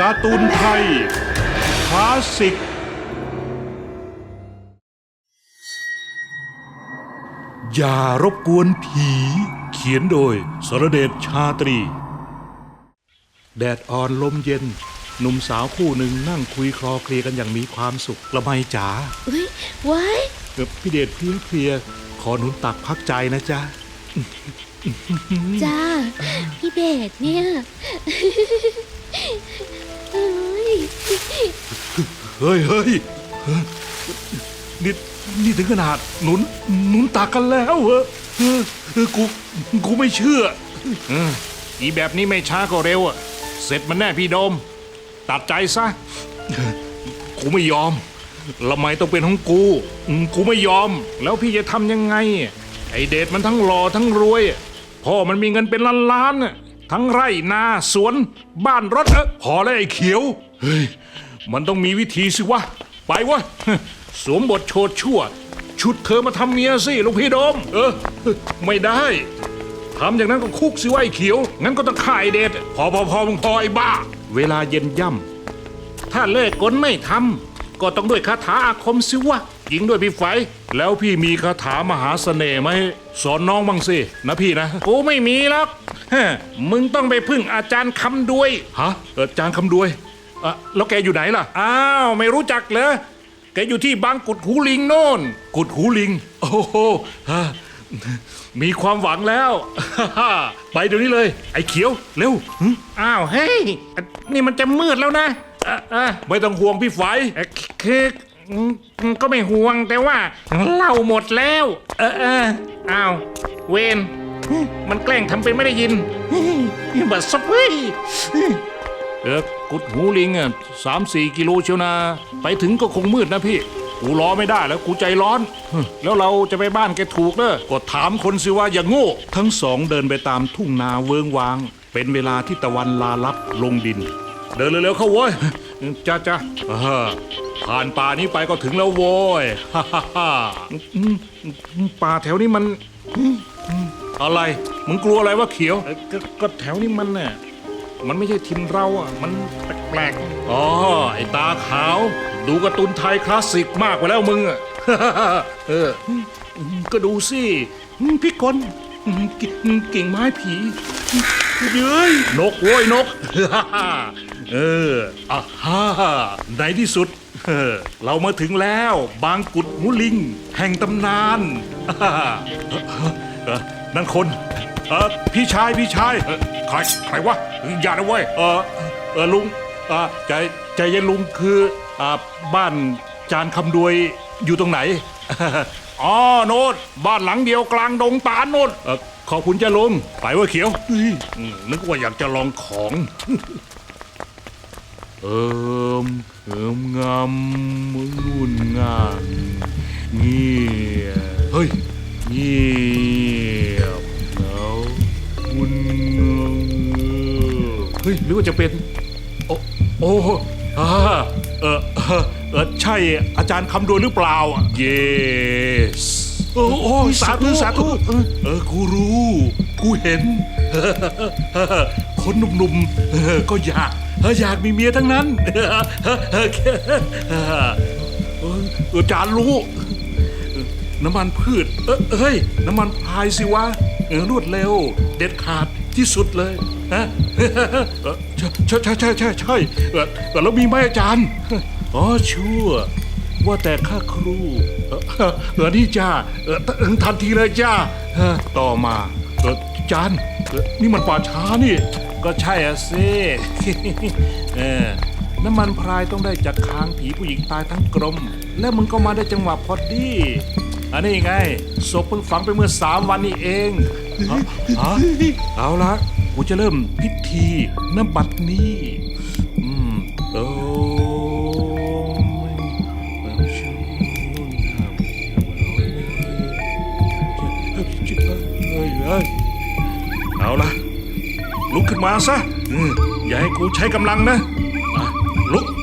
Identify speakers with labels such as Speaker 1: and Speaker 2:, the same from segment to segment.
Speaker 1: การ์ตูนไทยคลาสสิกอย่ารบกวนผีเขียนโดยสรเดชชาตรีแดดอ่อนลมเย็นหนุ่มสาวคู่หนึ่งนั่งคุยคลอเคลียกันอย่างมีความสุขละไมจ๋า
Speaker 2: ว้าย
Speaker 1: พี่เดชเพลียขอหนุนตักพักใจนะจ๊ะ
Speaker 2: จ้าพี่เดชเนี่ย
Speaker 1: เฮ้ยนี่ถึงขนาดหนุนตักกันแล้วเหรอกูไม่เชื่ออีแบบนี้ไม่ช้าก็เร็วอะเสร็จมันแน่พี่โดมตัดใจซะกูไม่ยอมละไมต้องเป็นของกูไม่ยอมแล้วพี่จะทำยังไงไอเดชมันทั้งหล่อทั้งรวยพ่อมันมีเงินเป็นล้านทั้งไร่นาสวนบ้านรถพอแล้วไอ้เขียวเฮ้ยมันต้องมีวิธีสิวะไปวะสวมบทโชดชั่วชุดเธอมาทำเมียสิลูกพี่โดมไม่ได้ทำอย่างนั้นก็คุกสิวะไอ้เขียวงั้นก็ต้องฆ่าไอเดชพอมึงพอไอ้บ้าเวลาเย็นย่ำถ้าเลิกกลไม่ทำก็ต้องด้วยคาถาอาคมสิวะยิงด้วยพี่ไฟแล้วพี่มีคาถามหาเสน่ห์ไหมสอนน้องบ้างสินะพี่นะกูไม่มีหรอกมึงต้องไปพึ่งอาจารย์คำด้วยฮะอาจารย์คำด้วยแล้วแกอยู่ไหนล่ะอ้าวไม่รู้จักเหรอแกอยู่ที่บางกุดหูลิงโน่นกุดหูลิงโอ้โหมีความหวังแล้วไปเดี๋ยวนี้เลยไอ้เขียวเร็ว
Speaker 3: อ้าวเฮ้ยนี่มันจะมืดแล้วนะ
Speaker 1: ไม่ต้องห่วงพี่ไฟ
Speaker 3: คือก็ไม่ห่วงแต่ว่าเหล้าหมดแล้วอ้าวเวนมันแกล้งทำเป็นไม่ได้ยินบัดซบเฮ้ย
Speaker 1: กุดหูลิง3-4 กิโลเชียวนะไปถึงก็คงมืดนะพี่กูรอไม่ได้แล้วกูใจร้อนแล้วเราจะไปบ้านแกถูกเนอะก็ถามคนสิว่าอย่างโง่ทั้งสองเดินไปตามทุ่งนาเวิงวางเป็นเวลาที่ตะวันลาลับลงดินเดินเร็วๆเข้าโว้ยจ้าผ่านป่านี้ไปก็ถึงแล้วโว้ยป่าแถวนี้มันอะไรมึงกลัวอะไรวะเขียว
Speaker 3: ก็แถวนี้มันเนี่ยมันไม่ใช่ถิ่นเรามันแปลก
Speaker 1: ๆอ๋อไอ้ตาขาวดูการ์ตูนไทยคลาสสิกมากไปแล้วมึงก็ดูสิพี่กลกิ่งไม้ผีเย้ยนกโว้ยนกในที่สุดเรามาถึงแล้วบางกุดหูลิงแห่งตำนานนั่นคนพี่ชายใครวะอย่านะเว้ยลุงใจเย็นลุงคือบ้านจานคำดวยอยู่ตรงไหนอ๋อโน้ตบ้านหลังเดียวกลางดงตาลโน้ตขอบคุณจ้าลุงไปว่าเขียวนึกว่าอยากจะลองของงามมุ่นงานเงียบเฮ้ยเงียบแล้วมุ่นเฮ้ยหรือว่าจะเป็นโอ้ใช่อาจารย์คำดวงหรือเปล่าyes โอ้สาธุกูรู้กูเห็นคนหนุ่มๆก็อยากมีเมียทั้งนั้นอาจารย์รู้น้ำมันพืชเฮ้ยน้ำมันพายสิวะรวดเร็วเด็ดขาดที่สุดเลยใช่แล้วมีไหมอาจารย์อ๋อชั่วว่าแต่ข้าครูนี่จ้าทันทีเลยจ้าต่อมาอาจารย์นี่มันป่าช้านี่ก็ใช่สิน้ำมันพรายต้องได้จากค้างผีผู้หญิงตายทั้งกลมแล้วมึงก็มาได้จังหวะพอดีอันนี้ไงศพเพิ่งฝังไปเมื่อ3 วันนี้เองเอาละกูจะเริ่มพิธีณ บัดนี้เอาละลุกขึ้นมาซะอย่าให้กูใช้กำลังนะลุก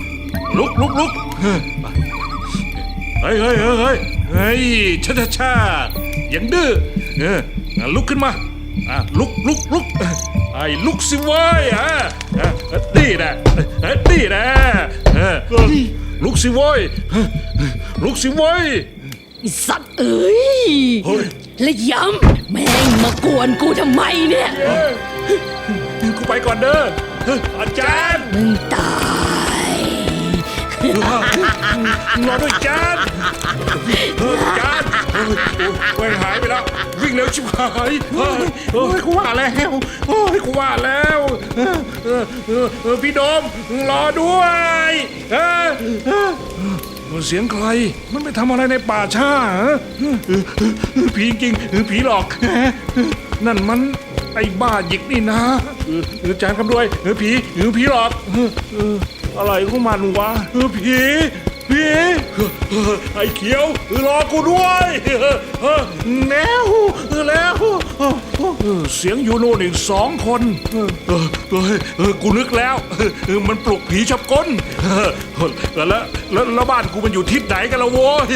Speaker 1: เฮ้ยช้าอย่างดื้อลุกขึ้นมาลุกไอ้ลุกสิเว้ยนี่นะนี่นะลุกสิเว้ยลุกสิเว้ย
Speaker 2: ไอ้สัตว์เอ้ย
Speaker 1: เฮ้ย
Speaker 2: และย้ำแม่งมากวนกูทำไมเนี่ย
Speaker 1: กูไปก่อนเด้ออาจารย์
Speaker 2: มึงตาย
Speaker 1: รอด้วยจานจานแหวงหายไปแล้ว วิ่งเร็วชิบหายกูว่าแล้วกูว่าแล้วพี่โดมรอด้วยเสียงใครมันไปทำอะไรในป่าช้าผีจริงผีหลอกนั่นมันไอ้บ้าหยิกนี่นะจานคำด้วยผีหลอกอะไรของมันวะผีไอ้เขียวรอกูด้วยแล้วเสียงอยู่โน่นอีก2 คนกูนึกแล้วมันปลุกผีชับก้นแล้วบ้านกูมันอยู่ทิศไหนกันละโว้ย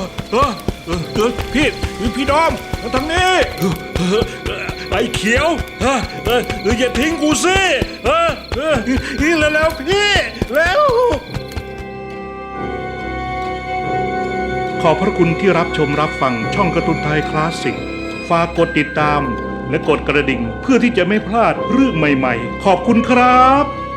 Speaker 1: พี่ดอมทางนี้ไอ้เขียวอย่าทิ้งกูสิแล้วพี่แล้ว
Speaker 4: ขอบพระคุณที่รับชมรับฟังช่องการ์ตูนไทยคลาสสิก ฝากกดติดตามและกดกระดิ่งเพื่อที่จะไม่พลาดเรื่องใหม่ๆ ขอบคุณครับ